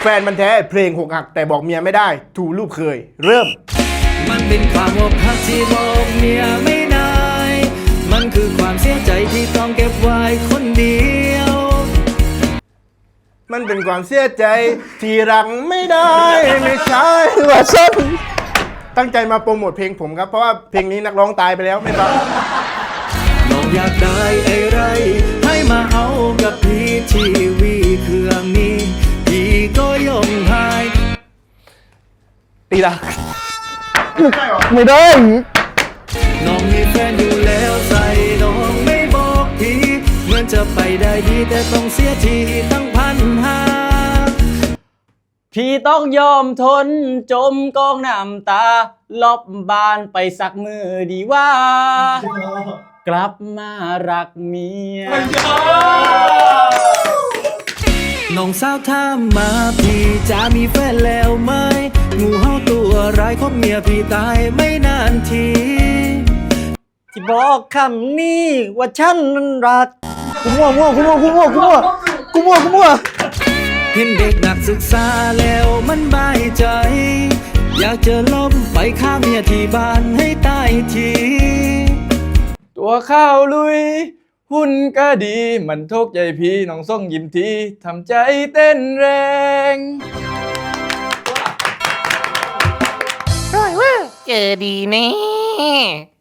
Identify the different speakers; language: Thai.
Speaker 1: แฟนมันแท้เพลงหกหักแต่บอกเมียไม่ได้ถูรูปเคยเริ่ม
Speaker 2: มันเป็นความอกหักที่บอกเมียไม่ได้มันคือความเสียใจที่ต้องเก็บไว้คนเดียว
Speaker 1: มันเป็นความเสียใจที่รักไม่ได้ไม่ใช่ว่าฉันตั้งใจมาโปรโมทเพลงผมครับเพราะว่าเพลงนี้นักร้องตายไปแล้วไม่ฟัง
Speaker 2: น้องอยากได้ไอ้ไรให้มาเอากับพี่ทีวีเครื่องนี้พี่ก็ยอมให้
Speaker 1: ตีละ
Speaker 3: ไม่ได้
Speaker 2: น้องมีแฟนอยู่แล้วใส่น้องไม่บอกพี่เหมือนจะไปได้ดีแต่ต้องเสียทีตั้ง1,500
Speaker 3: พี่ต้องยอมทนจมกองน้ำตาลบบ้านไปสักมือดีว่ากลับมารักเมีย
Speaker 2: น้องสาวถามมาพี่จะมีแฟนแล้วไหมงูเห่าตัวร้ายของเมียพี่ตายไม่นานที
Speaker 3: ที่บอกคำนี้ว่าฉันนั้นรักกูมั่ว
Speaker 2: เห็นเด็กนักศึกษาแล้วมันบายใจอยากจะล้มไปฆ่าเมียที่บ้านให้ตายที
Speaker 3: ตัวข้าวลุยหุ่นก็ดีมันทุกข์ใจพี่น้องส่งยิ้มทีทำใจเต้นแรง
Speaker 4: เจอดีแน่